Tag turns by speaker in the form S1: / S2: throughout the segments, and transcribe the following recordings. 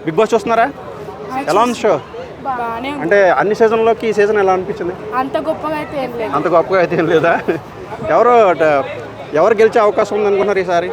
S1: Big boss చూస్తున్నారా? ఎలా ఉంది షో? అంటే అన్ని సీజన్లోకి ఈ సీజన్ ఎలా అనిపించింది?
S2: అంత గొప్పగా అయితే ఏం లేదు.
S1: అంత గొప్పగా అయితే ఏం లేదా? ఎవరు గెలిచే అవకాశం ఉంది అనుకున్నారు ఈసారి?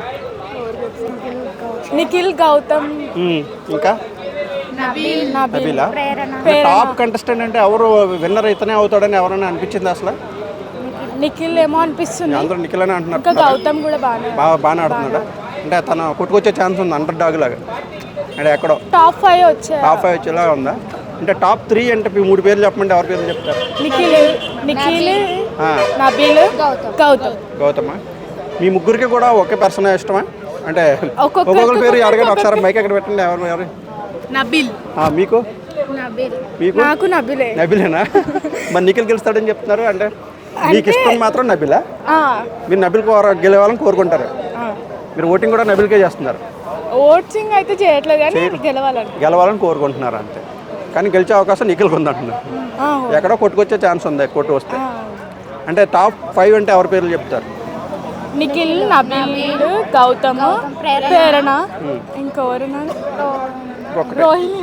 S2: నిఖిల్, గౌతమ్,
S1: ఇంకా నబీలా. టాప్ కంటెస్టెంట్ అంటే ఎవరు విన్నర్ ఇతనే అవుతాడని ఎవరైనా అనిపించింది అసలు?
S2: నిఖిల్ ఏమో అనిపిస్తుంది.
S1: అందరూ నిఖిల్ అని అంటున్నారు.
S2: ఇంకా గౌతమ్ కూడా
S1: బాగానే ఆడుతున్నాడు. అంటే తను కొట్టుకొచ్చే ఛాన్స్ ఉంది అండర్ డాగ్ లాగా. అంటే ఎక్కడో
S2: టాప్ 5
S1: వచ్చేలా ఉందా? అంటే టాప్ 3 అంటే 3 పేర్లు చెప్పమంటే ఎవరి పేర్లు చెప్తారు?
S2: నిఖిల్, నబీల్,
S1: గౌతమ్. మీ ముగ్గురికి కూడా ఒకే పర్సన్ ఇష్టమా? అంటే ఒక్కొక్కరి పేరు అడగండి ఒకసారి. మైక్ ఎక్కడ పెట్టండి. ఎవరు?
S2: నబీల్.
S1: మీకు
S2: నాకు
S1: నబీలేనా? మరి నిఖిల్ గెలుస్తాడని చెప్తున్నారు. అంటే మీకు ఇష్టం మాత్రం నబీలా? మీరు నబీల్ గెలవాలని కోరుకుంటారు. మీరు ఓటింగ్ కూడా నబీల్కే చేస్తున్నారు?
S2: ఓటింగ్ అయితే చేయట్లేదు కానీ
S1: గెలవాలని కోరుకుంటున్నారు అంతే. కానీ గెలిచే అవకాశం నిఖిల్కి ఉందంటున్నారు. ఎక్కడో కొట్టుకొచ్చే ఛాన్స్ ఉంది కొట్టు వస్తే. అంటే టాప్ 5 అంటే ఎవరి పేర్లు చెప్తారు?
S2: నిఖిల్, నబీల్, గౌతమ్, ప్రేరణ, ఇంకెవరు? రోహిణి.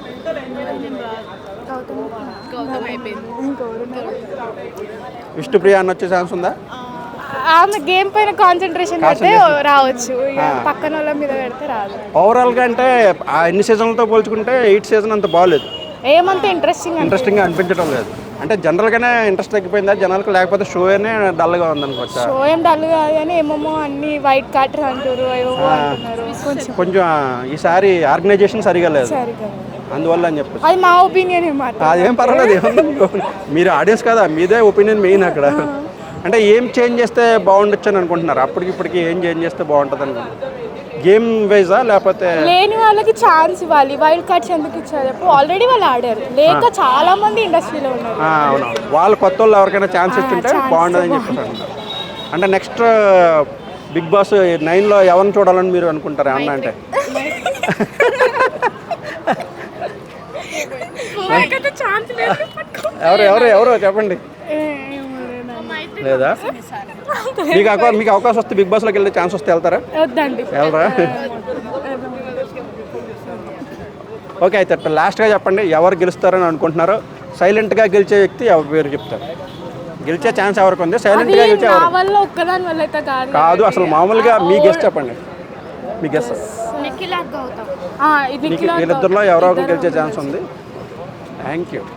S1: విష్ణుప్రియ అని వచ్చే ఛాన్స్ ఉందా?
S2: ఆమె గేమ్ పైన కాన్సన్ట్రేషన్ పెడితే రావచ్చు, పక్కన వాళ్ళ మీద పెడితే రాదు.
S1: ఓవరాల్గా అంటే ఆ ఎన్ని సీజన్లతో పోల్చుకుంటే 8th సీజన్ అంత బాగాలేదు.
S2: ఏమంత ఇంట్రెస్టింగ్గా
S1: అనిపించడం లేదు. అంటే జనరల్గానే ఇంట్రెస్ట్ తగ్గిపోయిందా జనాలకు, లేకపోతే షోనే డల్గా ఉందనుకోవచ్చా?
S2: షో ఏం డల్ కాదు కానీ ఏమేమో అన్ని వైట్ కార్టర్ అంటారు,
S1: కొంచెం ఈసారి ఆర్గనైజేషన్ సరిగా లేదు, అందువల్ల అని చెప్పచ్చు.
S2: అది మా ఒపీనియన్.
S1: అదేం పర్వాలేదు, మీరు ఆడియన్స్ కదా, మీదే ఒపీనియన్ మెయిన్ అక్కడ. అంటే ఏం చేంజ్ చేస్తే బాగుండొచ్చు అని అనుకుంటున్నారు? అప్పటికిప్పటికి ఏం చేంజ్ చేస్తే బాగుంటుంది అనుకుంటున్నారు? గేమ్ వైజా లేకపోతే
S2: లేని వాళ్ళకి ఛాన్స్ ఇవ్వాలి. వైల్డ్ కార్డ్స్ ఎందుకు ఇచ్చారు? ఆల్రెడీ వాళ్ళు ఆడారు, లేక చాలా మంది ఇండస్ట్రీలో ఉన్నారు.
S1: అవును, వాళ్ళు కొత్త వాళ్ళు ఎవరికైనా ఛాన్స్ ఇచ్చింటే బాగుంటుందని చెప్పేసి. అంటే నెక్స్ట్ బిగ్ బాస్ 9లో ఎవరిని చూడాలని మీరు అనుకుంటారు అన్న? అంటే ఎవరు చెప్పండి. లేదా మీకు అవకాశం వస్తే బిగ్ బాస్లోకి వెళ్ళే ఛాన్స్ వస్తే వెళ్తారా? వెళ్ళరా? ఓకే, అయితే లాస్ట్గా చెప్పండి, ఎవరు గెలుస్తారని అనుకుంటున్నారో. సైలెంట్గా గెలిచే వ్యక్తి ఎవరి పేరు చెప్తారు? గెలిచే ఛాన్స్ ఎవరికి ఉంది? సైలెంట్గా గెలిచే కాదు, అసలు మామూలుగా మీ గెస్ట్ చెప్పండి. మీ గెస్ట్ వీళ్ళిద్దరిలో ఎవరో ఒకరు గెలిచే ఛాన్స్ ఉంది. Thank you.